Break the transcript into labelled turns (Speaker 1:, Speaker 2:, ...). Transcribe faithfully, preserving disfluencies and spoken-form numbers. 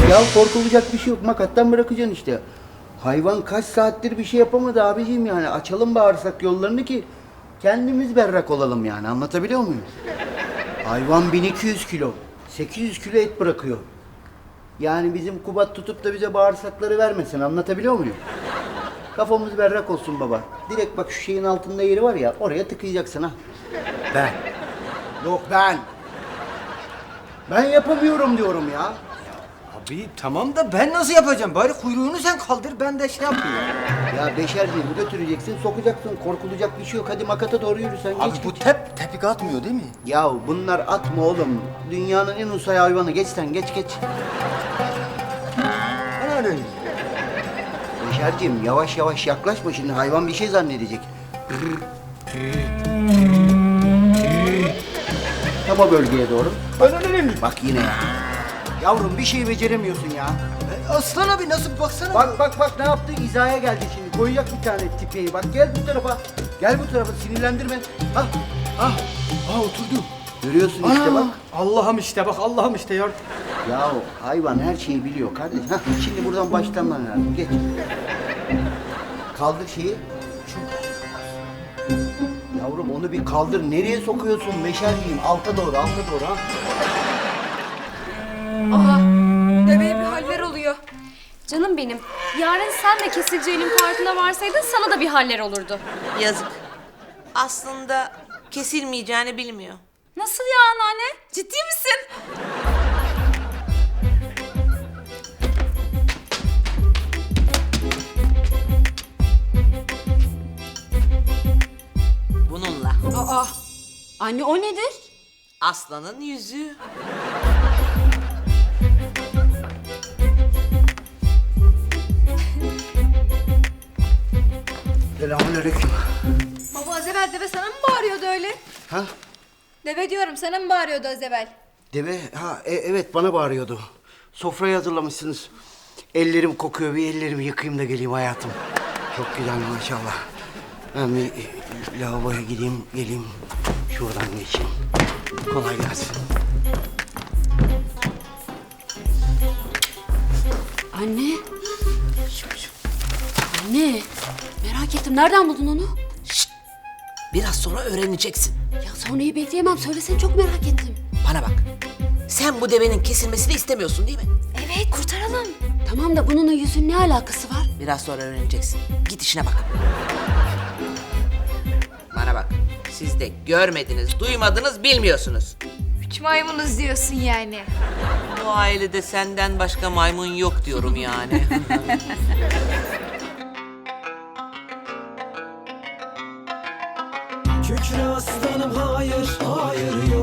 Speaker 1: Ya korkulacak bir şey yok. Makattan bırakacaksın işte. Hayvan kaç saattir bir şey yapamadı abiciğim yani. Açalım bağırsak yollarını ki kendimiz berrak olalım yani. Anlatabiliyor muyum? Hayvan bin iki yüz kilo. sekiz yüz kilo et bırakıyor. Yani bizim Kubat tutup da bize bağırsakları vermesin. Anlatabiliyor muyum? Kafamız berrak olsun baba. Direkt bak şu şeyin altında yeri var ya, oraya tıkayacaksın ha. Ben. Yok ben. Ben yapamıyorum diyorum ya.
Speaker 2: Abi tamam da ben nasıl yapacağım? Bari kuyruğunu sen kaldır, ben de şey yapayım.
Speaker 1: Ya beşerciğim götüreceksin, sokacaksın. Korkulacak bir şey yok. Hadi makata doğru yürü sen.
Speaker 2: Abi
Speaker 1: geç,
Speaker 2: bu
Speaker 1: geç.
Speaker 2: tep tepik atmıyor değil mi?
Speaker 1: Ya bunlar atma oğlum. Dünyanın en usay hayvanı. Geç sen, geç geç.
Speaker 2: Ben öyle.
Speaker 1: Beşerciğim yavaş yavaş yaklaşma şimdi. Hayvan bir şey zannedecek. Tam o bölgeye doğru.
Speaker 2: Ben öyle mi?
Speaker 1: Bak yine ya. Yavrum bir şey beceremiyorsun ya.
Speaker 2: Aslan abi nasıl baksana.
Speaker 1: Bak bak bak ne yaptı? İzaya geldi şimdi. Koyacak bir tane tipeyi. Bak gel bu tarafa. Gel bu tarafa. Sinirlendirme. Ha.
Speaker 2: Ah, ah oturdu.
Speaker 1: Görüyorsun işte bak.
Speaker 2: Allah'ım işte bak, Allah'ım işte ya.
Speaker 1: Ya hayvan her şeyi biliyor kardeş. Hah, şimdi buradan başlaman lazım. Geç. Kaldır şeyi. Şu. Yavrum onu bir kaldır. Nereye sokuyorsun? Meşer diyeyim. Alta doğru, alta doğru ha.
Speaker 3: Aha, deveye bir haller oluyor.
Speaker 4: Canım benim, yarın sen de kesileceğinin farkına varsaydın sana da bir haller olurdu.
Speaker 5: Yazık. Aslında kesilmeyeceğini bilmiyor.
Speaker 3: Nasıl ya anneanne? Ciddi misin?
Speaker 5: Bununla.
Speaker 3: Aa, anne o nedir?
Speaker 5: Aslanın yüzüğü.
Speaker 1: Selamünaleyküm.
Speaker 6: Baba az evvel deve sana mı bağırıyordu öyle?
Speaker 1: Ha?
Speaker 6: Deve diyorum sana mı bağırıyordu az evvel?
Speaker 1: Deve, ha e- evet bana bağırıyordu. Sofrayı hazırlamışsınız. Ellerim kokuyor, bir ellerimi yıkayayım da geleyim hayatım. Çok güzel maşallah. Ben bir e, lavaboya gideyim, geleyim. Şuradan geçeyim. Kolay gelsin.
Speaker 4: Anne. Anne, merak ettim. Nereden buldun onu?
Speaker 5: Biraz sonra öğreneceksin.
Speaker 4: Ya sonrayı bekleyemem. Söylesene, çok merak ettim.
Speaker 5: Bana bak. Sen bu devenin kesilmesini istemiyorsun değil mi?
Speaker 4: Evet, kurtaralım. Tamam da bununla yüzün ne alakası var?
Speaker 5: Biraz sonra öğreneceksin. Git işine bak. Bana bak. Siz de görmediniz, duymadınız, bilmiyorsunuz.
Speaker 6: Üç maymunuz diyorsun yani.
Speaker 5: Bu ailede senden başka maymun yok diyorum yani.
Speaker 7: Kükre aslanım hayır, hayır